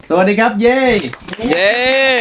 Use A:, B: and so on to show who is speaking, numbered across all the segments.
A: สวัสดีครับเย้
B: เย้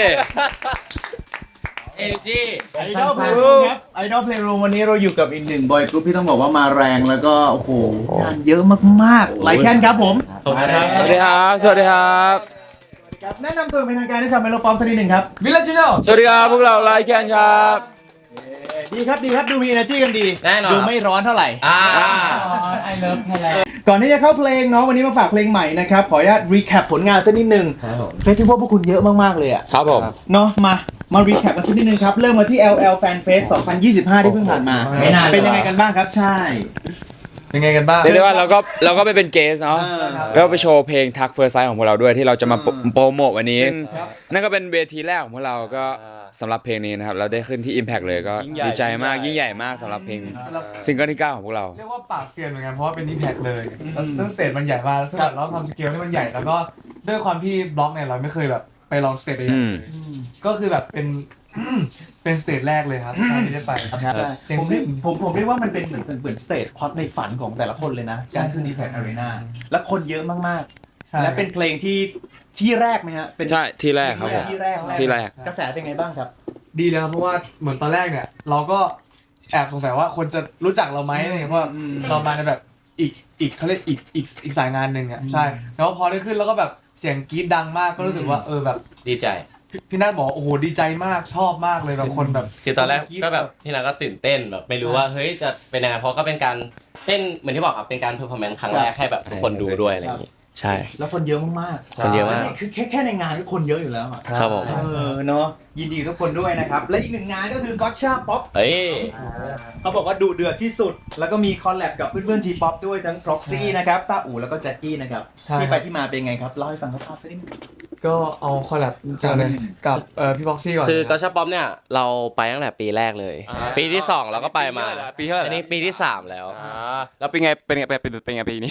C: เอเนจี
A: ไอดอลเพลย์รูมครับไอดอลเพลย์รูมวันนี้เราอยู่กับอีกหนึ่งบอยกรุ๊ปที่ต้องบอกว่ามาแรงแล้วก็โอ้โหงานเยอะมากๆไลแคนครับผม
B: สวัสดีครับสวัสดีครับ
A: ครับแนะนำตัวเป็นทางการให้ชาวเมโลปอมสักนิดหนึ่งครับ
C: วิลเลจโน
B: สวัสดีครับพวกเราไลแคนครับ
A: ดีครับดูมี energy กันดี
C: แน่นอน
A: ดูไม่ร้อนเท่าไหร่
C: ไอเลิฟไทยแลนด์
A: ก่อนที่จะเข้าเพลงเนาะวันนี้มาฝากเพลงใหม่นะครับขออนุญาตรีแคปผลงานสักนิดหนึ่งเฟสติวัลพวกคุณเยอะมากๆเลยอะ
B: ครับผม
A: เนาะมารีแคปกันสักนิดนึงครับเริ่มมาที่ LL Fan Fest 2025 ที่เพิ่งผ่านมา
C: ไม่นาน
A: เป็นยังไงกันบ้างครับใช่
C: เป็นไงกันบ้าง
B: เรียกได้ว่าเราก็ไปเป็นเกสเนาะ
A: เออ
B: แล้วก็ไปโชว์เพลงทักเฟิร์สไซส์ของพวกเราด้วยที่เราจะมาโปรโมทวันนี้
A: ครับ
B: นั่นก็เป็นเวทีแรกของพวกเราก็สำหรับเพลงนี้นะครับเราได้ขึ้นที่ Impact เลยก็ดีใจมากยิ่งใหญ่มากสำหรับเพลงซิงเกิลที่ 9 ของพวกเรา
D: เรียกว่าปากเซียนเหมือนกันเพราะว่าเป็น Impact เลยแล้วสเตจมันใหญ่มากซึ่งแบบเราทำสเกลที่มันใหญ่แล้วก็ด้วยความที่บล็อกเนี่ยเราไม่เคยแบบไปลองสเตจใหญ่
B: อืม
D: ก็คือแบบเป็น เป็นสเตจแรกเลยครับที่ได้ไปเสียง
A: ผมเรียกว่ามันเป็นเหมือนสเตจพอดในฝันของแต่ละคนเลยนะการขึ้น Impact Arena และคนเยอะมากๆและเป็นเพลงที่แรกไหมฮะเป็น
B: ใช่ที่แรกครับผม
A: ที่แรก
B: ที่แรก
A: กระแสเป็นไงบ้างครับ
D: ดีเลยครับเพราะว่าเหมือนตอนแรกเนี่ยเราก็แอบสงสัยว่าคนจะรู้จักเราไหมอะไรเงี้ยเพราะว่าเรามาในแบบอีกเขาเรียกอีกสายงานหนึ่งอ่ะใช่แล้วพอได้ขึ้นแล้วก็แบบเสียงกรี๊ดดังมากก็รู้สึกว่าแบบ
C: ดีใจ
D: พี่นัทบอกโอ้โหดีใจมากชอบมากเลยแบบคนแบบ
C: คือตอนแรกก็แบบพี่นาก็ตื่นเต้นแบบไม่รู้ว่าเฮ้ยจะเป็นยังไงเพราะก็เป็นการเต้นเหมือนที่บอกครับเป็นการเพอร์ฟอร์แมนซ์ครั้งแรกให้แบบทุกคนดูด้วยอะไรอย่างงี้ใช่
A: แล้วคนเยอะมากๆ
C: คนเยอะมาก
A: คือแค่ในงานก็คนเยอะอยู่แล้วอะ
C: ครับผม
A: เนาะยินดีกับทุกคนด้วยนะครับ และอีกหนึ่งงานก็คือ Gotcha Pop
C: เฮ้ย
A: เขาบอกว่าดูเดือดที่สุด แล้วก็มีคอลแลบกับเพื่อนๆทีป๊อปด้วยทั้ง Proxy นะครับต้าอู่แล้วก็แจ็คกี้นะครับ
D: ใช่
A: ที่ไปที่มาเป็นไงครับเล่าให้ฟังคร่าวๆสักนิดนึง
D: ก็เอาคอลแลบจากเลยกับพี่บ็อกซี่ก่อน
C: คือกอชป๊อปเนี่ยเราไปตั้งแต่ปีแรกเลย ปีที่2เราก็ไปมา
B: ปีเท่าไหร่
C: อันนี้ปีที่3แล้ว
B: แล้วเป็นไงปีนี้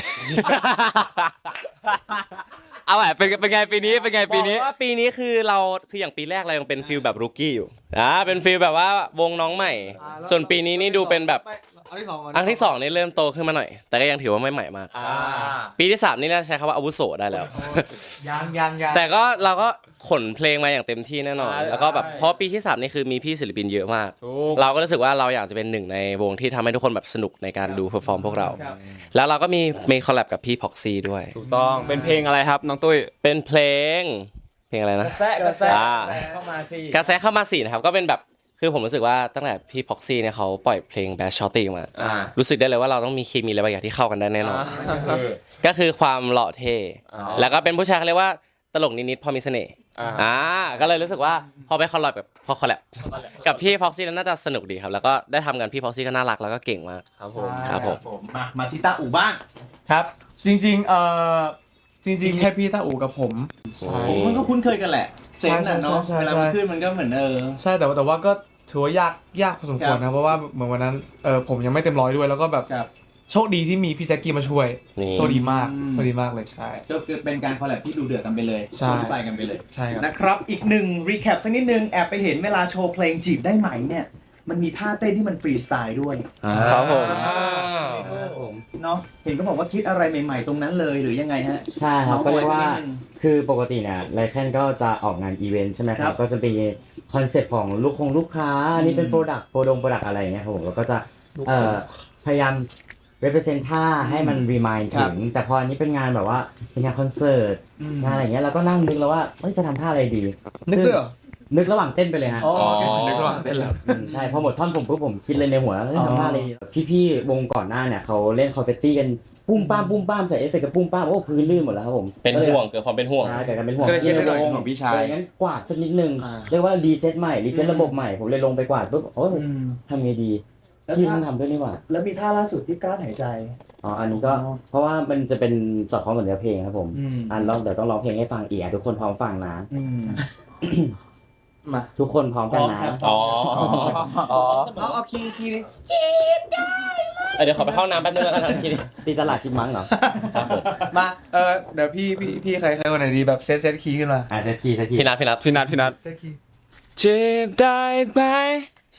B: เอาแหละเป็นไงปีนี้เป็นไงปีนี้
C: บอกว่าปีนี้คือเราคืออย่างปีแรกเรายังเป็นฟิลแบบรูกี้อยู่เป็นฟิลแบบว่าวงน้องใหม่ ส่วนปีนี้นี่ดูเป็นแบบอันที่2นี่เริ่มโตขึ้นมาหน่อย แต่ก็ยังถือว่าไม่ใหม่มาก ปีที่3นี่น่าใช้คำว่าอาวุโสได้แล้ว
D: ยัง
C: แต่ก็เราก็ขนเพลงมาอย่างเต็มที่แน่นอน แล้วก็แบบเพราะปีที่3นี่คือมีพี่ศิลปินเยอะมาก เราก็รู้สึกว่าเราอยากจะเป็นหนึ่งในวงที่ทำให้ทุกคนแบบสนุกในการดูเพอร์ฟอร์มพวกเรา แล้วเราก็มีคอลแลบกับพี่พ็อกซี่ด้วย
B: ถูกต้องเป็นเพลงอะไรครับน้องตุ้ย
C: เป็นเพลงอะไรนะ
B: กระแส
C: เข้ามาสินะครับก็เป็นแบบคือผมรู้สึกว่าตั้งแต่พี่พ็อกซี่เนี่ยเขาปล่อยเพลง Bad Shorty มารู้สึกได้เลยว่าเราต้องมีเคมีอะไรบางอย่างที่เข้ากันได้แน่นอนก็คือความหล่อเท่แล้วก็เป็นผู้ชายเขาเรียกว่าตลกนิดๆพอมีเสน่ห์ก็เลยรู้สึกว่าพอไปคอลแลบกับพี่พ็อกซี่นั้นน่าจะสนุกดีครับแล้วก็ได้ทำกันพี่พ็อกซี่ก็น่ารักแล้วก็เก่งมากครับผม
A: มาที่ต้าอู่บ้าง
D: ครับจริงแค่พี่ตาอู่กับผมใช่
A: มันก็คุ้นเคยกันแหละเซนน่ะเนาะ
D: ใช่
A: เวลามันขึ้นมันก็เหมือน
D: ใช่แต่ว่าก็ถือว่ายากพอสมควรนะเพราะว่าเหมือนวันนั้นผมยังไม่เต็มร้อยด้วยแล้วก็แบบ
A: ครับ
D: โชคดีที่มีพี่แจ็คกี้มาช่วย
C: นี่
D: โชคดีมากเลยใช่
A: ก็เป็นการคอลแลบที่ดูเดือดกันไปเลย
D: ใช่
A: ไฟกันไปเลย
D: ใช่ครับ
A: นะครับอีกหนึ่งรีแคปสักนิดนึงแอบไปเห็นเวลาโชว์เพลงจีบได้ไหมเนี่ยมันมีท่าเต้นที่มันฟรีสไตล์ด้วย
B: ครับผม
A: เนาะเห็นเขาบอกว่าคิดอะไรใหม่ๆตรงนั้นเลยหรือยังไงฮะ
E: ใช่ครับ
A: น้อง
E: ก็เรียกว่า
A: บอยสักนิดนึง
E: คือปกติเนี่ยไลแคนก็จะออกงานอีเวนต์ใช่ไหมค
A: ครั
E: รับ
A: บ
E: ก็จะมีคอนเซ็ปต์ของลูกค้าอันนี้เป็นโปรดักต์อะไรอย่างเงี้ยครับผมแล้วก็จะพยายาม represent ท่าให้มัน remind
A: ครั
E: ถึ
A: บ
E: งแต่พออันนี้เป็นงานแบบว่าเป็นงานคอนเสิร์ตงานอะไรอย่างเงี้ยเราก็นั่งนึกแล้วว่าจะทำท่าอะไรดี
D: นึกด้วยเหรอ
E: นึกระหว่างเต้นไปเลยฮะ
D: นึกว่าเป็นแล้ว
E: ใช่พอหมดท่อนผมคิดเลยในหัวแล้วทำท่าอะไรดีพี่ๆวงก่อนหน้าเนี่ยเขาเล่นคอนเฟตตี้กันปุ้มป้ามใส่เอฟเฟกต์กับปุ้มป้ามโอ้พื้นลื่นหมดแล้วครับผม
C: เป็นห่วงเกิดความเป็นห่วง
E: ใช่เกิดการเป็นห่วง
B: ก็เลยเช็ดให้หน่อย
E: ในว
B: ของพี่ชาย
E: งั้นกวาดสักนิดนึงเรียกว่ารีเซ็ตใหม่รีเซ็ตระบบใหม่ผมเลยลงไปกวาดปุ๊บโอ้ยทำไงดีพี่เพิ่งทำด้วยนี่หว่า
A: แล้วมีท่าล่าสุดที่กลั้นหายใจ
E: อันนี้ก็เพราะว่ามันจะเป็นสอดคล้องกับเนื้อเพลงครับผม เดี๋ยวต้องร้องเพลงให้ฟังอีกทุกคนพร้อมฟังนะ
D: มา
E: ทุกคนพร้อมกันนะ
D: เอาคีย์
C: เดี๋ยวขอไปเข้าน้ำแป๊บนึงแล้วกันทีนี้
E: ตีตลาดชิมมังเหรอ
D: มาเดี๋ยวพี่ใครคนไหนดีแบบเซตคีย์ขึ้นมา
E: เซตคีย์
C: พี่นัท
D: เซตคีย์
B: เจ็บได้ไหม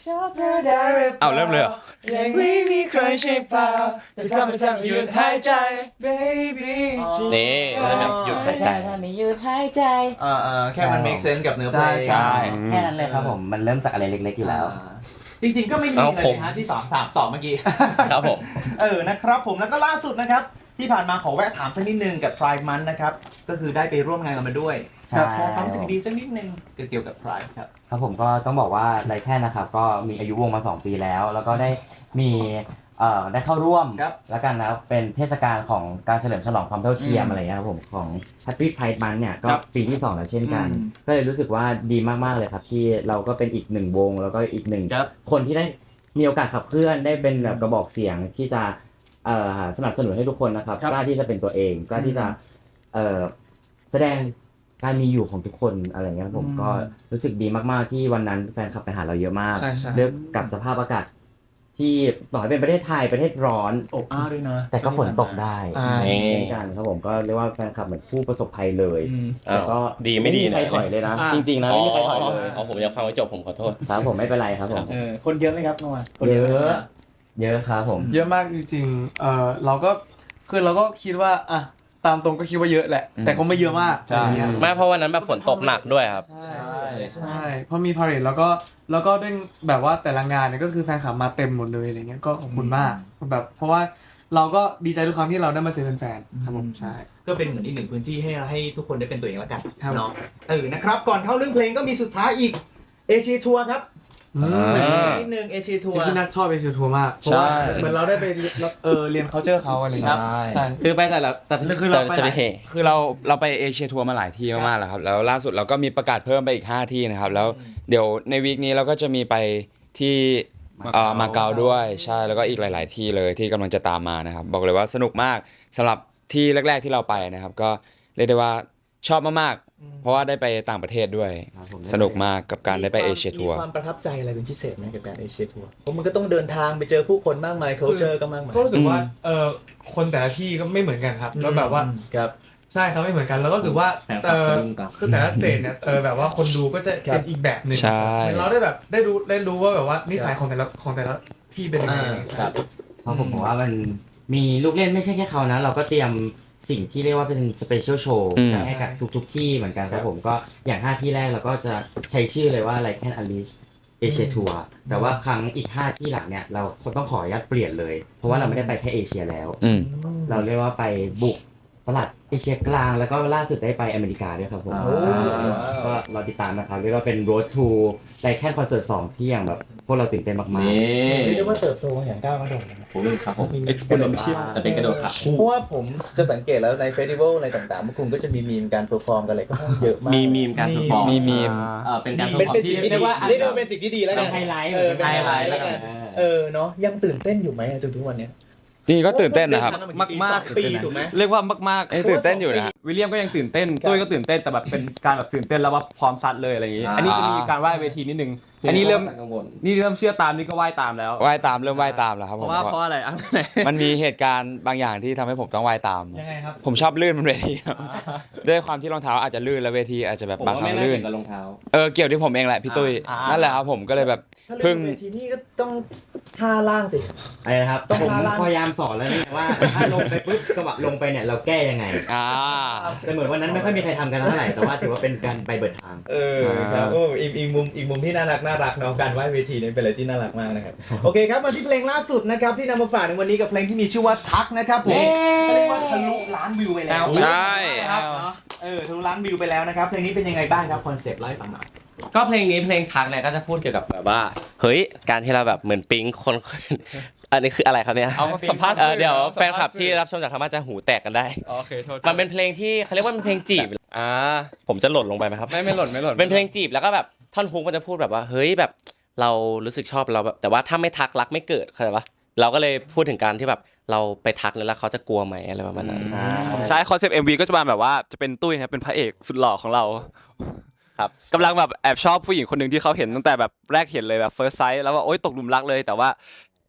B: เอาเริ่มเลยเหรอ
D: ยังไม่มีใครใช่เปล่าจะทำให้ฉันหยุดหายใจ baby
C: นี่นะครับหยุดหายใจ
E: ถ้าไม่หยุดหายใจ
A: แค่มัน make sense กับเนื้อเพลง
D: ใช่
E: แค่นั้นเลยครับผมมันเริ่มจากอะไรเล็กๆอยู่แล้ว
A: จริงๆก็ไม่มี
C: เอา
A: เลย
C: ผม
A: นะฮะที่ถามต่อเมื่อกี้
C: ครับผม
A: นะครับผมแล้วก็ล่าสุดนะครับ ที่ผ่านมาขอแวะถามสักนิดนึงกับ Pride Month นะครับ ก็คือได้ไปร่วมงานกันมาด้วย
E: ใช่
A: แชร์ความรู้สึกดีสักนิดนึงเกี่ยวกับ Pride ครับ
E: ครับผมก็ต้องบอกว่าไลแคนนะครับก็มีอายุวงมา 2 ปีแล้ว แล้วก็ได้มีได้เข้าร่วม
A: ครับ
E: แล้วกันนะเป็นเทศกาลของการเฉลิมฉลองความเท่าเทียม
A: อืม
E: อะไรเงี้ยครับผมของ Happy Pride Month เนี่ยก็
A: ครับ
E: ปีที่ 2 แล้วเช่นกัน
A: อืม
E: ก็เลยรู้สึกว่าดีมากๆเลยครับที่เราก็เป็นอีกหนึ่งวง แล้วก็อีกหนึ่ง
A: ครับ
E: คนที่ได้มีโอกาสขับเคลื่อนได้เป็นแบบกระบอกเสียงที่จะสนับสนุนให้ทุกคนนะครับ
A: ครับ
E: กล้าที่จะเป็นตัวเองกล้าที่จะแสดงการมีอยู่ของทุกคนอะไรเงี้ยครับผมก็รู้สึกดีมากๆที่วันนั้นแฟนคลับไปหาเราเยอะมาก
D: ใช่ใช่
E: เลือกกับสภาพอากาศที่ต่อให้เป็นประเทศไทยประเทศร้อน
A: อบอ้าวด้วยนะ
E: แต่ก็ฝนตกได้
C: นี่
E: เช่นกันครับผมก็เรียกว่าแฟนคลับเหมือนผู้ประสบภัยเลย
C: อ้าว
E: แต่ก็
C: ดีไม่ดี
E: มีใคร
C: นะ
E: ถอยเลยนะ
D: อ่า
E: จริงๆนะไม่มีใครถอยเลย
C: อ๋อผมยังฟังไม่จบผมขอโทษ
E: ครับผมไม่เป็นไรครับผม
A: คนเยอะไหมครับนัวคน
E: เย
A: เย
E: อะ
A: อะ
E: เยอะครับผม
D: เยอะมากจริงๆเราก็คือเราก็คิดว่าอ่ะตามตรงก็คิดว่าเยอะแหละ แต่คงไม่เยอะมาก
B: ใช่
D: อะไรเงี้ย
C: ไม่เพราะวันนั้นแบบฝนตกหนักด้วยครับ
D: ใช่เพราะมีพาเหรดแล้วก็ด้วยแบบว่าแต่ละงานเนี่ยก็คือแฟนคลับมาเต็มหมดเลยอะไรเงี้ยก็ขอบคุณมากแบบเพราะว่าเราก็ดีใจทุกครั้งที่เราได้มาเจอแฟนๆครับผมใช่
A: ก็เป็นเหมือนอีกหนึ่งพื้นที่ให้ทุกคนได้เป็นตัวเองแล้วกัน
D: ครับ
A: เนาะนะครับก่อนเข้าเรื่องเพลงก็มีสุดท้ายอีกเอเชียทัวร์ครับ นิดนึงเอเชียทัวร์
D: ที่นัทชอบเอเชียทัวร์มากเพราะว่าเหมือนเราได้ไปเรียน culture เขาอะไรเงี้ยใช่
C: คือไปแต่ละแต่
A: คือเราไป
C: จะไปเฮ
B: คือเราไปเอเชียทัวร์มาหลายที่มากๆแล้วครับแล้วล่าสุดเราก็มีประกาศเพิ่มไปอีก 5 ที่นะครับแล้วเดี๋ยวในวีคนี้เราก็จะมีไปที่มาเก๊าด้วยใช่แล้วก็อีกหลาย ๆ ที่เลยที่กำลังจะตามมานะครับบอกเลยว่าสนุกมากสำหรับที่แรก ๆที่เราไปนะครับก็เรียกได้ว่าชอบมากๆเพราะว่าได้ไปต่างประเทศด้วย
E: ครับผม
B: สนุกมากกับการได้ไปเอเชียทัวร์
A: มีความประทับใจอะไรเป็นพิเศษไหมกับการเอเชียทัวร์เพราะมันก็ต้องเดินทางไปเจอผู้คนมากมายเขาเจอกันมากมาย
D: ก็รู้สึกว่าคนแต่ละที่ก็ไม่เหมือนกันครับแล้วแบบว่า
A: ครับ
D: ใช่ครับไม่เหมือนกันแล้วก็รู้สึกว่าคือแต่ละสเตจเนี่ยแบบว่าคนดูก็จะเป็นอีกแบบหนึ่ง
B: ใช่
D: เหมือนเราได้แบบได้รู้ว่าแบบว่านิสัยของแต่ละที่เป็นยังไง
A: ครับ
E: เพราะผมบอกว่ามันมีลูกเล่นไม่ใช่แค่เขานะ เราก็เตรียมสิ่งที่เรียกว่าเป็นสเปเชียลโชว์
B: อืม
E: ให้กับทุกๆที่เหมือนกันครับผมก็อย่าง5ที่แรกเราก็จะใช้ชื่อเลยว่า Like Can Unleash Asia Tour แต่ว่าครั้งอีก5ที่หลังเนี่ยเราต้องขออนุญาตเปลี่ยนเลย เพราะว่าเราไม่ได้ไปแค่เอเชียแล้ว
B: อืม
E: เราเรียกว่าไปบุกตลาดเอเชียกลางแล้วก็ล่าสุดได้ไปอเมริกาด้วยครับผม
A: โอ้
E: ก็รอติดตามนะครับเรียกว่าเป็น Road to Like Can Concert 2ที่อย่างแบบพวกเราตื่นเต้นมากๆ
A: เรียกได้ว่าเติบโตอย่างก้าวกระโดดเลยนะ
C: ผมครับผม exponential แต่เป็นกระโดดขา
A: เพราะว่าผมจะสังเกตแล้วในเฟสติวัลอะไรต่างๆพวกคุณก็จะมีมีมการเพอร์ฟอร์มกันอะไรก็เยอะมาก
C: มีมการเพอร์ฟอร์ม
B: มีมีม
C: เป็นการเพอ
A: เป็น
C: ร์ฟอร์
A: เป็น
C: มที่
A: สิ่งที่
C: เรีย
A: ดี
C: กว่า
A: เรียกได้ว่าเป็นสิ่งที่ดีแล้วกัน
E: เป็นไฮไลท์
A: เป็นไฮไลท์แล้วกันเนาะยังตื่นเต้นอยู่ไหมจนทุกวันเนี้ย
B: จริงๆก็ตื่นเต้นนะครับ
F: มาก
A: ปีถูกไหม
F: เรียกว่ามาก
B: เอ้ยตื่นเต้นอยู่นะ
F: วิลเลียมก็ยังตื่นเต้นตุ้ยก็ตื่นเต้นแต่แบบเป็นการแบบตื่นเต้นแล้วว่าพร้อมซัดเลยอะไรอย่างงี้ อันนี้จะมีการว่ายเวทีนิดนึง อันนี้เริ่มเชื่อตามนี่ก็ว่ายตามแล้ว
B: ว่ายตามเริ่มว่ายตามแล้วครับ
F: เพ
B: ผม
F: ราะว่าเพราะอะไรอ่ะ
B: มันมีเหตุการณ์บางอย่างที่ทำให้ผมต้องว่ายตาม
D: ยังไงครับ
B: ผมชอบลื่นบนเวทีครับด้วยความที่รองเท้าอาจจะลื่นแล้วเวทีอาจจะแบบ
C: ผม
B: บาง
C: ว่า
B: ครั้
C: ไม่
B: ง
C: น่า
B: ลื่
C: เกี่
B: น
C: ยวกับรองเท้า
B: เกี่ยวที่ผมเองแหละพี่ตุ้ยนั่นแหละครับผมก็เลยแบบ
A: ถ้าเล่
B: เพิ่
A: น
B: ง
A: เวทีนี่ก็ต้องท่าล่างสิ
E: อะไรนะครับ
A: ต้อง
E: ผม
A: พาล่าง
E: พยายามสอนแล้วเนี่ยว่าถ้าลงไปปุ๊บจังหวะลงไปเนี่ยเราแก้ยังไง
B: อ่า
E: แต่เหมือนวันนั้นไม่ค่อยมีใครทำกันเท่าไหร่แต่ว่าถือว่าเป็นการไปเบิดทาง
A: ครับโอ้อีกมุมที่น่ารักเนาะการว่ายเวทีเนี่ยเป็นอะไรที่น่ารักมากนะครับโอเคครับมาที่เพลงล่าสุดนะครับที่นำมาฝากในวันนี้กับเพลงที่มีชื่อว่าทักนะครับผมเรียกว่าทะลุล้านวิวไปแล้ว
B: ใช่
A: ครับเนาะทะลุล้านวิวไปแล้วนะครับเพลงนี้เป็นยังไงบ้างครับคอนเซปต์เล่าให้ฟังหน่อย
C: ก็เพลงนี้เพลงทักเนี่ยก็จะพูดเกี่ยวกับแบบว่าเฮ้ยการที่เราแบบเหมือนปิ๊งคน อันนี้คืออะไรครับเนี่ย
F: เอาสัมภาษณ์
C: เดี๋ยวแฟนคลับที่รับชมจากทางบ้านจะหูแตกกันได้
F: โอเคโทษ
C: มันเป็นเพลงที่เขาเรียกว่าเป็นเพลงจีบ
F: อ่า
C: ผมจะหล่นลงไปไหมครับ
F: ไม่หล่น
C: เป็นเพลงจีบแล้วก็แบบท่อนฮุกมันจะพูดแบบว่าเฮ้ยแบบเรารู้สึกชอบเราแบบแต่ว่าถ้าไม่ทักรักไม่เกิดเข้าใจปะเราก็เลยพูดถึงการที่แบบเราไปทักแล้วเขาจะกลัวไหมอะไรประมาณนั้น
F: ใช่คอนเซปต์ MV ก็จะมาแบบว่าจะเป็นตุ้ยนะครับเป็นพระเอกสุดหล่อของเรา
C: ครับ
F: กำลังแบบแอบชอบผู้หญิงคนหนึ่งที่เขาเห็นตั้งแต่แบบแรกเห็นเลยแบบ first sight แล้วว่าโอ๊ยตกหลุมรักเลยแต่ว่า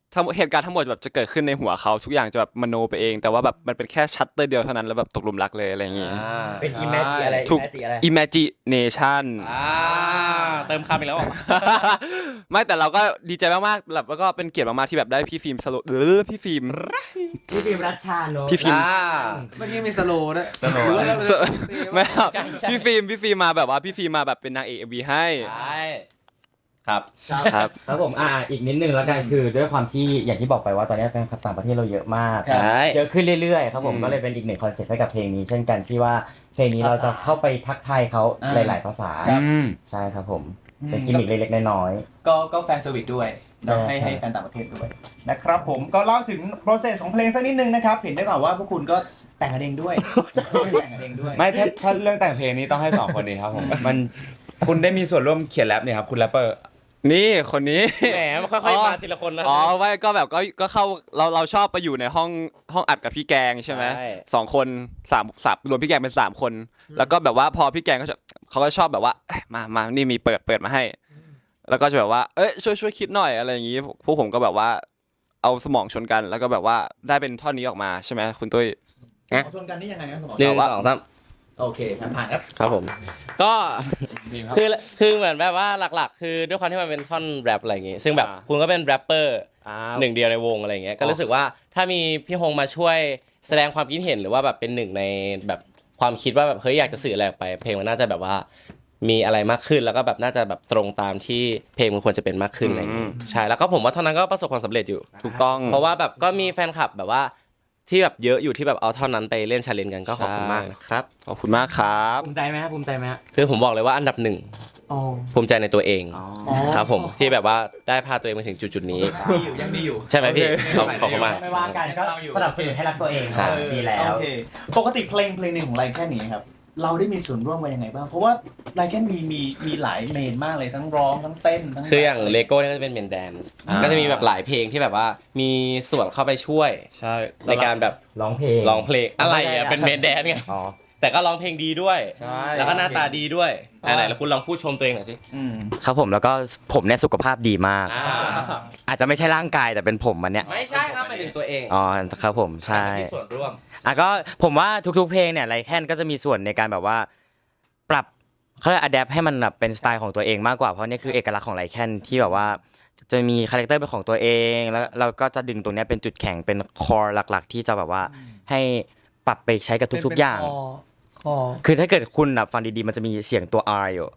F: เหตุการณ์ทั้งหมดแบบจะเกิดขึ้นในหัวเขาทุกอย่างจะแบบมโนไปเองแต่ว่าแบบมันเป็นแค่ชัตเตอร์เดียวเท่านั้นแล้วแบบตกหลุมรักเลยอะไรอย่างงี้
E: เป็น imagine อะไร
F: ถูก
E: imagine อะไร
F: imagination
C: เติมคำอีกแล้วเหรอ
F: ไม่แต่เราก็ดีใจมากๆแบบแล้วก็เป็นเกียรติมากๆที่แบบได้พี่ฟิล์มสโลพี่ฟิล์ม
E: พี่ฟิล์มรัชชานนท์
F: พี่ฟิล์ม
D: เมื่อกี้มีสโลว์ด้วย
F: ไม่ครับพี่ฟิล์มมาแบบว่าพี่ฟิล์มมาแบบเป็นนางเอก MV ให้
C: ใช่ครับ
F: ครับ
E: ครับผมอีกนิดนึงแล้วกันคือด้วยความที่อย่างที่บอกไปว่าตอนนี้แฟนคลับต่างประเทศเราเยอะมาก
C: ใช่
E: เยอะขึ้นเรื่อยๆครับผมก็เลยเป็นอีกหนึ่งคอนเซ็ปต์ให้กับเพลงนี้ เช่นกันที่ว่าเพลงนี้เราจะเข้าไปทักทายเขาหลายๆภาษา ใช่ครับผมเป็นกิมมิคเล็กๆน้อย
A: ก็แฟนเซอร์วิสด้วย
E: ใช่
A: ให้แฟนต่างประเทศด้วยนะครับผมก็เล่าถึงโปรเซสของเพลงสักนิดนึงนะครับเห็นได้เปล่าว่าพวกคุณก็แต่งกันเองด้วยแต่งกันเองด้วย
B: ไม่ถ้าเรื่องแต่งเพลงนี้ต้องให้2คนนี้ครับผมมันคุณได้มีส่วนร่วมเขียนแรปเนี่ยครับคุณแรปเปอร์
F: นี่คนนี้
C: แหมมันค่อยๆมาทีละคนนะ
F: อ๋อไม่ก็แบบก็เข้าเราชอบไปอยู่ในห้องอัดกับพี่แกงใช่ไหม
C: ใช่
F: 2 คน3รวมพี่แกงเป็น3 คน แล้วก็แบบว่าพอพี่แกงเขาก็ชอบแบบว่าเอ้ยมานี่มีเปิดมาให้ แล้วก็จะแบบว่าเอ้ยช่วยคิดหน่อยอะไรอย่างงี้พวกผมก็แบบว่าเอาสมองชนกันแล้วก็แบบว่าได้เป็นท่อนนี้ออกมาใช่ไหมคุณตุ้ย
A: ชนกันนี่ยังไงนะสมอง
C: หนึ่งสองสาม
A: โอเคผ่านครับ
C: ครับผม ก็คือเหมือนแบบว่าหลักๆ คือด้วยความที่มันเป็นท่อนแรปอะไรอย่างงี้ ซึ่งแบบคุณก็เป็นแรปเปอร์หนึ่งเดียวในวงอะไรอย่างเงี้ย ก็รู้สึกว่าถ้ามีพี่ฮงมาช่วยแสดงความคิดเห็นหรือว่าแบบเป็นหนึ่งในแบบความคิดว่าแบบเฮ้ยอยากจะสื่ออะไรออกไป เพลงมันน่าจะแบบว่ามีอะไรมากขึ้นแล้วก็แบบน่าจะแบบตรงตามที่เพลงมันควรจะเป็นมากขึ้นอะไรอย่างงี้ใช่แล้วก็ผมว่าเท่านั้นก็ประสบความสำเร็จอยู่
F: ถูกต้อง
C: เพราะว่าแบบก็มีแฟนคลับแบบว่าที่แบบเยอะอยู่ที่แบบเอาเท่านั้นไปเล่นชาเลนจ์กันก็ขอบคุณมากนะครับ
F: ขอบคุณมากครับ
E: ๆภูมิใจไหมครับภูมิใจไหมฮะ
C: คือผมบอกเลยว่าอันดับหนึ่ง
D: อ๋อ
C: ภูมิใจในตัวเอง
E: อ๋อ
C: ครับผมที่แบบว่าได้พาตัวเองมาถึงจุดๆนี้
A: ยังมีอยู่
C: ใช่ไหมพี่ขอบคุณมาก
E: ไม่ว่ากันก็สนับสนุนให้รักตัวเอง
C: ใช่
E: ดีแล้ว
A: โอเคปกติเพลงหนึ่งของไรแค่นี้ครับเราได้มีส่วนร่วมกันยังไงบ้างเพราะว่าไรแค่มีหลายเมนมากเลยทั้งร้องทั้งเต้นทั้ง
C: คืออย่างเลโก้เนี่ยก็จะเป็นเมนแดนซ์ก็จะมีแบบหลายเพลงที่แบบว่ามีส่วนเข้าไปช่วย
F: ใช่
C: ในการแบบ
E: ร้องเพลง
C: ร้องเพลงอะไรอ่ะเป็นเมนแดนซ์ไง
E: อ๋อ
C: แต่ก็ร้องเพลงดีด้วย
B: ใช่
C: แล้วก็หน้าตาดีด้วยไหนๆแล้วคุณลองพูดชมตัวเองหน่อยสิ
E: ครับผมแล้วก็ผมเนี่ยสุขภาพดีมาก อาจจะไม่ใช่ร่างกายแต่เป็นผมมันเนี่ย
C: ไม่ใช่ครับหมายถึงตัวเอง
E: อ๋อครับผมใช่
C: มีส่วนร่วม
E: ก็ผมว่าทุกๆเพลงเนี่ยไรแค่นก็จะมีส่วนในการแบบว่าปรับเขาเรียกอะแดปให้มันแบบเป็นสไตล์ของตัวเองมากกว่าเพราะนี่คือเอกลักษณ์ของไรแค่นที่แบบว่าจะมีคาแรคเตอร์เป็นของตัวเองแล้วเราก็จะดึงตรงเนี้ยเป็นจุดแข็งเป็นคอร์หลักๆ ที่จะแบบว่าให้ปรับไปใช้กับทุกๆอย่าง
D: คอ
E: คือถ้าเกิดคุณฟังดีๆมันจะมีเสียงตัว R อยู่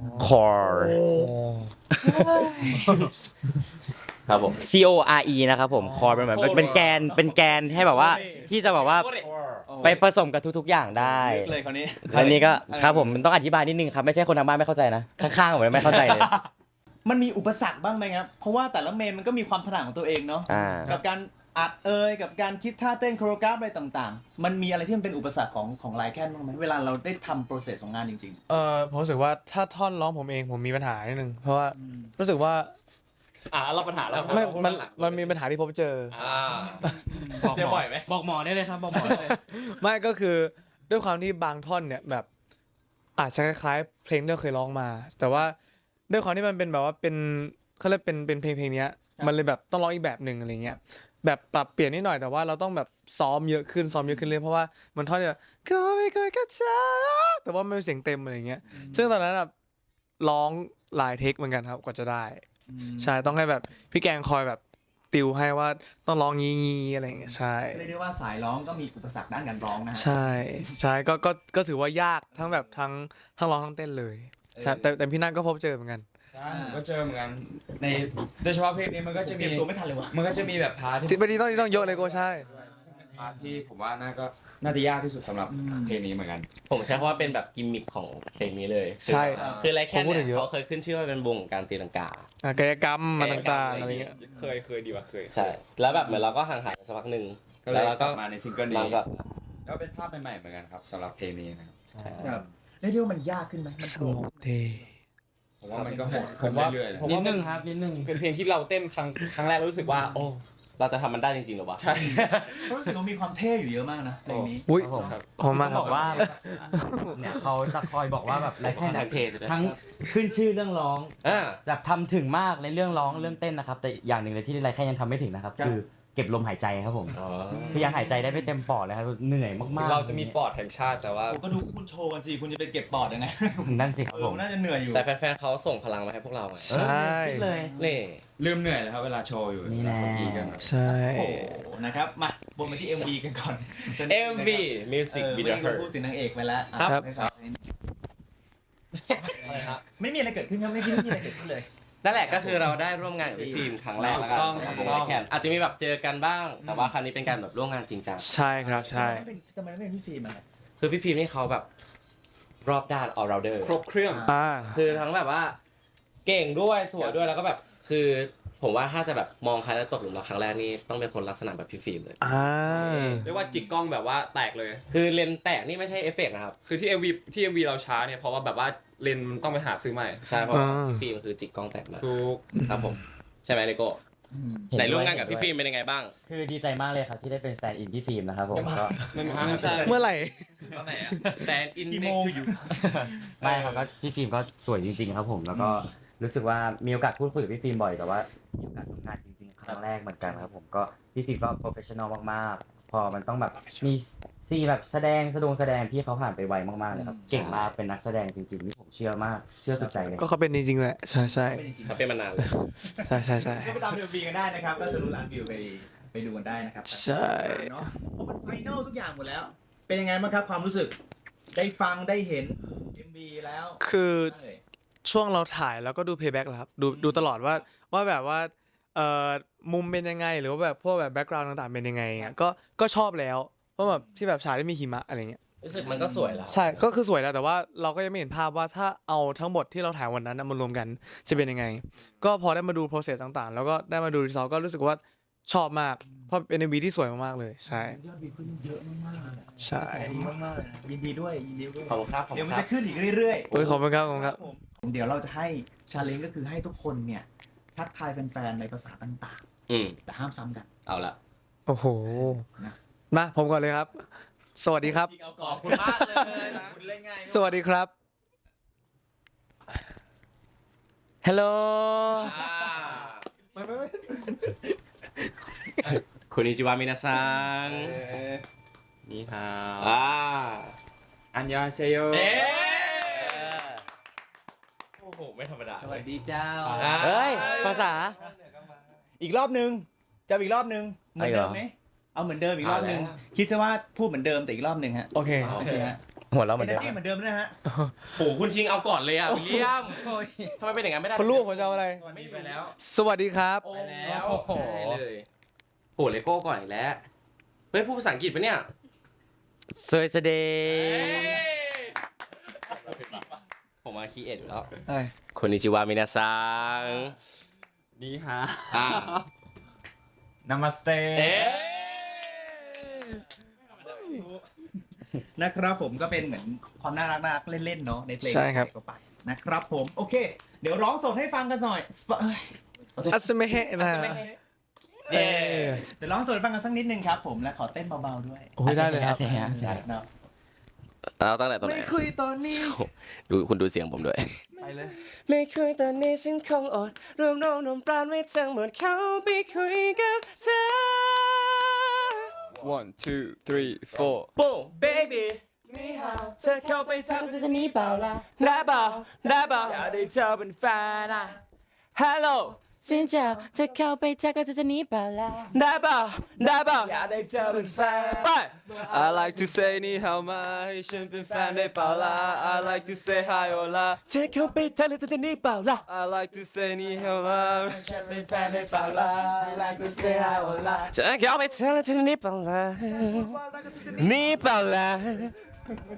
E: core
C: ครับผม
E: C O R E นะครับผม core เป็นเหมือนเป็นแกนให้แบบว่าที่จะแบบว่าไปผสมกับทุกๆอย่างได้
A: เลยคราวนี้
E: อันนี้ก็ครับผมมันต้องอธิบายนิดนึงครับไม่ใช่คนทางบ้านไม่เข้าใจนะข้างๆผมไม่เข้าใจเลย
A: มันมีอุปสรรคบ้างไหมครับเพราะว่าแต่ละเมนมันก็มีความถนัดของตัวเองเนาะ กับการอัดกับการคิดท่าเต้นโคโรกราฟอะไรต่างๆ มันมีอะไรที่มันเป็นอุปสรรคของไลแคนบ้างไหมเวลาเราได้ทำโปรเซสของงานจริง
D: ผมรู้สึกว่าถ้าท่อนร้องผมเองผมมีปัญหานิดนึงเพราะว่ารู้สึกว่า
C: เราปัญหาแล้ว
D: มันมีปัญหาที่พบเจอ
C: เจอบ่อยไหม
E: บอกหมอได้เลยครับบอกหมอได้เลย
D: ไม่ก็คือด้วยความที่บางท่อนเนี่ยแบบอาจจะคล้ายๆเพลงที่เราเคยร้องมา แต่ว่าด้วยความที่มันเป็นแบบว่าเป็นเขาเรียกเป็นเพลงเนี้ยมันเลยแบบต้องร้องอีกแบบหนึ่งอะไรเงี้ยแบบปรับเปลี่ยนนิดหน่อยแต่ว่าเราต้องแบบซ้อมเยอะขึ้นเลยเพราะว่ามันท่อนเนี่ยก็ไม่เคยก็เจอแต่ว่าไม่เป็นเสียงเต็มอะไรเงี้ยซึ่งตอนนั้นร้องหลายเทคเหมือนกันครับกว่าจะได้ใช่ต้องให้แบบพี่แกงคอยแบบติวให้ว่าต้องร้องงี้อะไรอย่างเงี้ยใช่
A: ๆเรียกได้ว่าสายร้องก็มีอุปสรรคด้านการร้องนะฮะ
D: ใช่ก็ถือว่ายากทั้งแบบทั้งร้องทั้งเต้นเลยใช่แต่พี่นัทก็พบเจอเหมือนกัน
B: ใช่ผมก็เจอเหมือนกันในโดยเฉพาะเพลงนี้มันก็จะ
A: เต
B: มี
A: รียมตัวไม่ทันเลยวะ
B: มันก็จะมีแบบพาร์ท
D: ที่
B: ที่
D: ไม่ได้ต้องเยอะเลยก็ใช่
B: พาร์ทที่ผมว่าน่าจะยากที่สุดสำหรับเพลงนี้เหมือนกัน
C: ผมใช้คำว่าเป็นแบบกิมมิคของเพลงนี้เลย
D: ใช่
C: คือไรแค่
D: ผมพูดถึ
C: เนี่ย
D: งเยอะ
C: เขาเคยขึ้นชื่อว่าเป็นวงของการตีลังกา
D: กายกรรมมาต่างๆอะไรเงี้ย
B: เคยดีว่าเคย
C: ใช่แล้วแบบเหมือนเราก็ห่างหายไปสักพักหนึ่ง
B: ก็เลยกลับมาในซิงเกิล
C: มา
B: นี้
C: แบบ
B: ก็เป็นภาพใหม่ๆเหมือนกันครับสำหรับเพลงนี้นะครับ
A: ครับเรียกได้ว่ามันยากขึ้นไหมมัน
D: สงบเท
B: ผมว่ามันก็โหด
F: ผมว่า
B: เรื่อยๆ
F: ผม
E: นิ
F: ว่า
E: ดนึงครับนิดนึง
F: เป็นเพลงที่เราเต้นครั้งแรกรู้สึกว่าโอ้
C: เราจะทำมันได้จริงๆหรอวะ
A: รู้สึกว่ามีความเท่อยู่เยอะมากนะเพลงนี้
D: อุ้ย
E: ครับผม
D: ขอบคุณมาก
E: บ
D: ครั
E: อบ กว่าเนี่ยเขาจะคอยบอกว่าแบบไรแค่
C: ทางเทศ
E: ทั้งขึ้นชื่อเรื่องร้อง
C: อ่า
E: แบบทำถึงมากในเรื่องร้องเรื่องเต้นนะครับ แต่อย่างหนึ่งเลยที่ไรแค่ยังทำไม่ถึงนะครับ
A: ครับ
E: คือเก็บลมหายใจครับผมคือยังหายใจได้ไม่เต็มปอดเลยครับเหนื่อยมากๆ
F: เราจะมีปอดแห่งชาติแต่ว่า
A: ก็ดูคุณโชว์กันสิคุณจะไปเก็บปอดยังไง
E: นั่นสิครับผม
A: น่าจะเหนื่อยอยู่
C: แต่แฟนๆเขาส่งพลังมาให้พวกเราไง
D: ใช่
E: คิดเลย
C: นี่
B: ลืมเหนื่อยเลยครับเวลาโชว์อยู่
E: นี่แน่
B: เวลาเขากรีดกัน
D: ใช่
A: โอ้โหนะครับมาบนมาที่ MV กันก่อน
C: MV Music
A: เมื่อ
C: Video
A: กี้เราพูดถึงนางเอกไปแล้ว
C: ครับ
A: ไม่มีอะไรเกิดขึ้นครับไม่มีอะไรเกิดขึ้นเลย
C: นั่นแหละก็คือเราได้ร่วมงานกับพี่ฟิล์มครั้งแรกแล้วกัน
F: ถูกต้อง
C: สำหรับวงไลแคนอาจจะมีแบบเจอกันบ้าง แต่ว่าครั้งนี้เป็นการแบบร่วมงานจริงจัง
D: ใช่ครับใช่
A: ทำไมไม่เป็นพี่ฟิล์มอ่ะ
C: คือพี่ฟิล์มนี่เขาแบบรอบด้าน all rounder
F: ครบเครื่อง
D: อ่า
C: คือทั้งแบบว่าเก่งด้วยสวยด้วยแล้วก็แบบคือผมว่าถ้าจะแบบมองใครแล้วตกหลุมรักครั้งแรกนี่ต้องเป็นคนลักษณะแบบพี่ฟิล์มเลย
D: อ่า
F: เรียกว่าจิกกล้องแบบว่าแตกเลย
C: คือเลนส์แตกนี่ไม่ใช่เอฟเฟกต์นะครับ
F: คือที่ MV เราช้าเนี่ยเพราะว่าแบบว่าเลนส์มันต้องไปหาซื้อใหม่
C: ใช่เพราะว่าพี่ฟิล์มคือจิกกล้องแตกมา
F: ถูก
C: ครับผมใช่ไหมเลโก้
E: เห็นด้วย
C: ไหนร่วมงานกับพี่ฟิล์มเป็นยังไงบ้าง
E: คือดีใจมากเลยครับที่ได้เป็นสแตนด์อินพี่ฟิล์มนะครับผมก็
F: ไม่ใช่
D: เมื่อไหร่
C: Stand in
A: กี่โม
C: next
A: ง
C: to you
E: ไม่ครับก็พี่ฟิล์มก็สวยจริงๆครับผมแล้วก็รู้สึกว่ามีโอกาสพูดคุยกับพี่ฟิล์มบ่อยแต่ว่ามีโอกาสทำงานจริงๆครั้งแรกเหมือนกันครับผมก็พี่ฟิล์มก็โปรเฟชชั่นอลมากๆ พอมันต้องแบบมีซีนแบบแสดงพี่เขาผ่านไปไวมากๆเลยครับเก่งมากเป็นนักแสดงจริงๆนี่ผมเชื่อมากเชื่อสุดใจเลย
D: ก็เขาเป็นจริงๆแหละใช่ใช่
C: เขาเป็นมานานเลย
D: ใช่ใช่ใช่
A: ก็ไปตาม MV กันได้นะครับก็ทะลุล้านวิวไปดูกันได้นะครับ
D: ใช่
A: เนาะเพราะมันไฟนอลทุกอย่างหมดแล้ว เป็นยังไงบ้างครับความรู้สึก ได้ฟังได้เห็น MV แล้ว
D: คือ
A: เอ่ย
D: ช่วงเราถ่ายแล้วก็ดูเพย์แบ็กแล้วครับดูตลอดว่าแบบว่ามุมเป็นยังไงหรือว่าแบบพวกแบบแบ็กกราวด์ต่างๆเป็นยังไงเงี้ยก็ชอบแล้วเพราะแบบที่แบบฉากที่มีหิมะอะไรเงี้ย
C: รู้สึกมันก็สวยแล้ว
D: ใช่ก็คือสวยแล้วแต่ว่าเราก็ยังไม่เห็นภาพว่าถ้าเอาทั้งหมดที่เราถ่ายวันนั้นนะมารวมกันจะเป็นยังไง ก็พอได้มาดู process ต่างๆ แล้วก็ได้มาดู result ก็รู้สึกว่าชอบมากเพราะเป็น MV ที่สวยมากๆเลยใช่
A: ยอดวิวขึ้นเยอะมากๆเลย
D: ใช่
A: ดีมากๆเลยนะยินดีด้วยยินดีด้วย
C: ขอบคุณครับขอบ
A: เดี๋ยว
C: คุ
A: มั
C: ณ
A: น
C: ครั
A: จะ
C: บ
A: ขึ้นอีกเรื่อยๆ
D: โอ้ยขอบคุณครับขอบคุณครับ
A: ผมเดี๋ยวเราจะให้ชาเลนจ์ก็คือให้ทุกคนเนี่ยทักทายแฟนๆในภาษาต่าง
C: อืม
A: ๆ แต่ห้ามซ้ำกัน
C: เอาละ
D: โอ้โหมาผมก่อนเลยครับ สวัสดีครับ
C: ขอบคุณมากเลยนะคุณเล่นง่าย
D: สวัสดีครับ
E: ฮัลโหล
C: คุณอิจิวามินาซัง
F: นี่ฮะ
B: อันยองเซโย
C: โอ้โหไม่ธรรมดา
A: สวัสดีเจ้า
E: เฮ้ยภาษา
A: อีกรอบนึงจะอีกรอบนึงเหมือนเดิมไหมเอาเหมือนเดิมอีกรอบนึงคิดซะว่าพูดเหมือนเดิมแต่อีกรอบนึงฮะ
D: โอเค
A: โอเคฮะ
E: หัวเราะเหมือนเดิม
A: เหมือนเดิมนะฮะ
C: โหคุณชิงเอาก่อนเลยอ่ะวิลเลียมทำไมเป็นอย่างนั้นไม่ได้
D: คนรู้ว่าผมจะเอาอะไร
C: ไม่ไปแล้ว
D: สวัสดีครับ
C: โอ้แล้วได้เลยโหเลโก้ก่อนอีกแล้วเฮ้ยพูดภาษาอังกฤษปะเนี่ย
E: สวยเสดง
C: ผมมาคีเอ็ดอยู่แล้ว
D: เอ้ย
C: คุณอิจิวามินาซัง
F: นี่ฮะ
C: อ่า
B: นามาสเต
A: นะครับผมก็เป็นเหมือนความน่ารักเล่นๆเนาะในเพลง
D: ใช่ครับ
A: ก็ไปนะครับผมโอเค เดี๋ยวร้องสดให้ฟังกันหน่อยเอ้ย
D: อัสเมเฮนะ
A: เดี๋ยวร้องสดให้ฟังกันสักนิดนึงครับผมและขอเต้นเบาๆด้วย
D: โอ้ยได้เลยครับ
A: เนาะ
C: เราตั้งแต่ตรงไหน
A: ไม่คุยตอนนี้
C: ดูคุณดูเสียงผมด้วย
D: ไปเลย
C: ไม่คุยตอนนี้ฉันคงอดรวมรวมปราณไว้ทั้งหมดเขาไปคุยกับเธอ
F: 1 2 3 4
C: โป้ baby นี่ฮะเธอเข้าไปทำจะนี้เปล่าล่ะได้เปล่าได้เปล่าอยากได้เธอเป็นแฟนอ่ะ hello
G: สินเจ้าจะเข้าไปทักก็จะหนีเปล่าล่ะ
C: ได้เปล่าได้เปล่าอยากได้เธอเป็นแฟนไป
F: I like to say นี่ how มาให้ฉันเป็นแฟนได้เปล่าล่ะ I like to say hi hola
C: เธอเข้าไปทักแล้วจะนี้เปล่าล่ะ
F: I like to say นี่ how มา
C: ฉันเป็นแฟนได้เปล่าล่ะ I like to say hi hola เธอเข้าไปทักแล้วจะนี้เปล่าล่ะนี่เปล่าล่ะ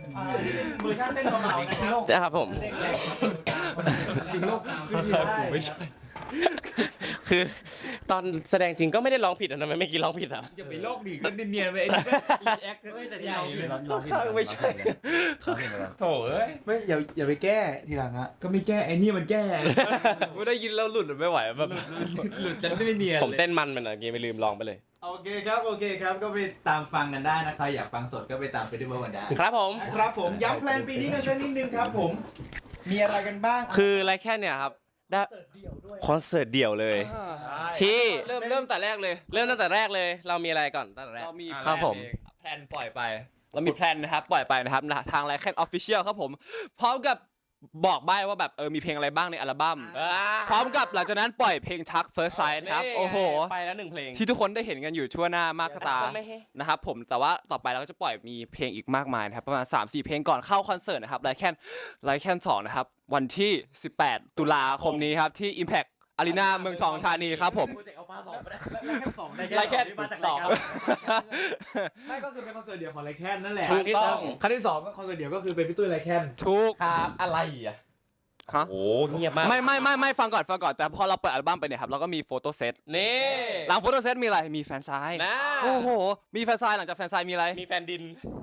A: เวอร์ชันเต้นเบาๆนะครับ
C: นะครับผม
A: อีกโลกไม่ใช่
C: คือตอนแสดงจริงก็ไม่ได้ร้องผิดนะทำไมไม่กี่ร้องผิดอ่ะ
B: อย่าไปโลกดิก็เนียนๆไปแอคแต่ใหญ่เลย
C: ไม่ใช่
B: โถเอ้ย
D: ไม่อย่าไปแก้ทีหลังอะ
B: ก็ไม่แก้ไอ้นี่มันแก้
F: ไม่ได้ยินแล้วหลุดไม่ไหวแบบ
B: หลุดจะไม่เนียน
C: ผมเต้นมันไปหน่อยเมื่อกี้ไม่ลืมร้องไปเลย
A: โอเคครับโอเคครับก็ไปตามฟังกันได้นะครับอยากฟังสดก็ไปตามเฟสติวัลกันได้
C: ครับผม
A: ครับผมย้ำแพลนปีนี้กันสักนิดนึงครับผมมีอะไรกันบ้าง
C: คือไรแค่เนี่ยครับได้คอนเสิร์ตเดี่ยวเลย ที่
F: เริ่มแต่แรกเลย
C: เริ่มตั้งแต่แรกเลย เรามีอะไรก่อนตั้งแต่แรก
F: เรามี
C: ครับผม
F: แพลนปล่อยไป เรามีแพลนนะครับปล่อยไปนะครับทางไลแคนออฟฟิเชียลครับผมพร้อมกับบอกใบ้ว่าแบบมีเพลงอะไรบ้างในอัลบั้มพร้อมกับหลังจากนั้นปล่อยเพลงทัก First Sight นะครับโอ้โห
C: ไปแล้ว1เพลง
F: ที่ทุกคนได้เห็นกันอยู่ชั่วหน้ามากตา
C: ไม่ให้
F: นะครับผมแต่ว่าต่อไปเราก็จะปล่อยมีเพลงอีกมากมายนะครับประมาณ 3-4 เพลงก่อนเข้าคอนเสิร์ตนะครับไลแคน2นะครับวันที่ 18 ตุลาคมนี้ครับที่ Impact Arena เมืองทองธานีครับผม
C: ไรแค่สอง
D: ไม่ก็คือเป็นคอนเสิร์ตเดี่ยวของไรแคนนั่นแหละ
C: ถูกต้อง
D: ครั้งที่สองก็คอนเสิร์ตเดี่ยวก็คือเป็นพี่ตุ้ยไรแคน
F: ทุก
C: ครับอะไรอ่ะ
F: ฮะ
C: โอ้เงียบมาก
F: ไม่ฟังก่อนแต่พอเราเปิดอัลบั้มไปเนี่ยครับเราก็มีโฟโต้เซต
C: นี่
F: หลังโฟโต้เซตมีอะไรมีแฟนไซน์
C: นะ
F: โอ้โหมีแฟนไซน์หลังจากแฟนไซน์มีอะไร
C: มีแฟนดิน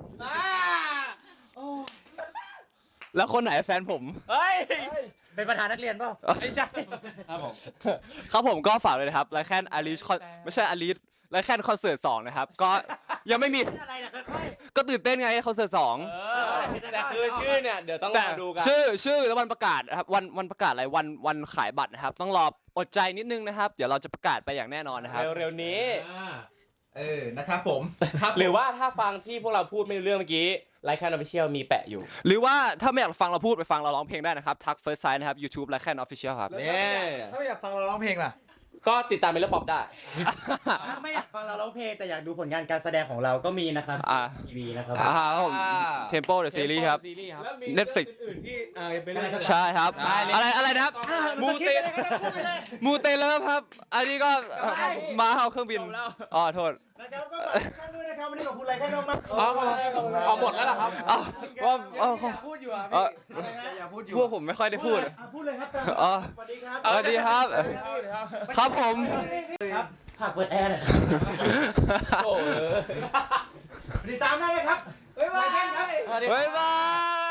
F: แล้วคนไหนแฟนผม
C: เฮ้ย
E: เป็นประธานนักเรียนเปล่า
C: ไม่ใช่
F: ครับผมก็ฝากเลยนะครับไลแคนอาริชไม่ใช่อาริชไลแคนคอนเสิร์ต2นะครับก็ยังไม่มี
E: อะไรนะค่อย
F: ก็ตื่นเต้นไงคอนเสิร์ต2
C: แต่คือชื่อเนี่ยเดี๋ยวต้องร
F: แต่
C: อดูกัน
F: ชื่อแล้ววันประกาศนะครับวันประกาศอะไรวันขายบัตรนะครับต้องรออดใจนิดนึงนะครับเดี๋ยวเราจะประกาศไปอย่างแน่นอนนะครับ
C: เร็วๆนี้
A: นะครับผม
C: หรือว่าถ้าฟังที่พวกเราพูดไม่รู้เรื่องเมื่อกี้ไลค์แคนออฟฟิเชียลมีแปะอยู่
F: หรือว่าถ้าไม่อยากฟังเราพูดไปฟังเราร้องเพลงได้นะครับทัก First Sight นะครับ YouTube ไลแคนออฟฟิเชียลครับ
D: ถ้าไม่อยากฟังเราร้องเพลงล่ะ
C: ก็ติดตามเมลป๊อปได้
E: ๆถ้าไม่อยากฟังเราร้องเพลงแต่อยากดูผลงานการแสดงของเราก็มีนะครับ
F: อ่า
E: ทีวีนะครับ
F: ผม Tempo the Series ครับ
D: แล้วมี
F: Netflix
D: อื่นๆที่ไปเล่นกัน
F: ใช่ครับอะไรนะครับ
C: มูเต
F: มูเตเลฟครับ อันนี้ก็มาเอาเครื่องบินอ๋อโทษ
A: นะครับก็ขอบคุณท่านด้วยนะครับวันนี้ขอบคุณไรแค่น้องมาก
C: เอาหมดแล้วเหรอครับ
F: อ้าวว่าอ๋อ
D: พูดอยู่อ่ะ
F: เอ่
D: พี่
F: อ
D: อย่าพูดอยู่
F: พวกผมไม่ค่อยได้พูด
A: พูดเลยครับ
F: อ๋อ
A: สวัสดีครับ
F: สวัสดีครับ ครับผม
E: ฝากเปิดแอร์หน่อย
C: โอ้
A: ติดตามได้เลยครับ
D: บ๊ายบาย
A: ไรแค่ครับ
F: บ๊ายบาย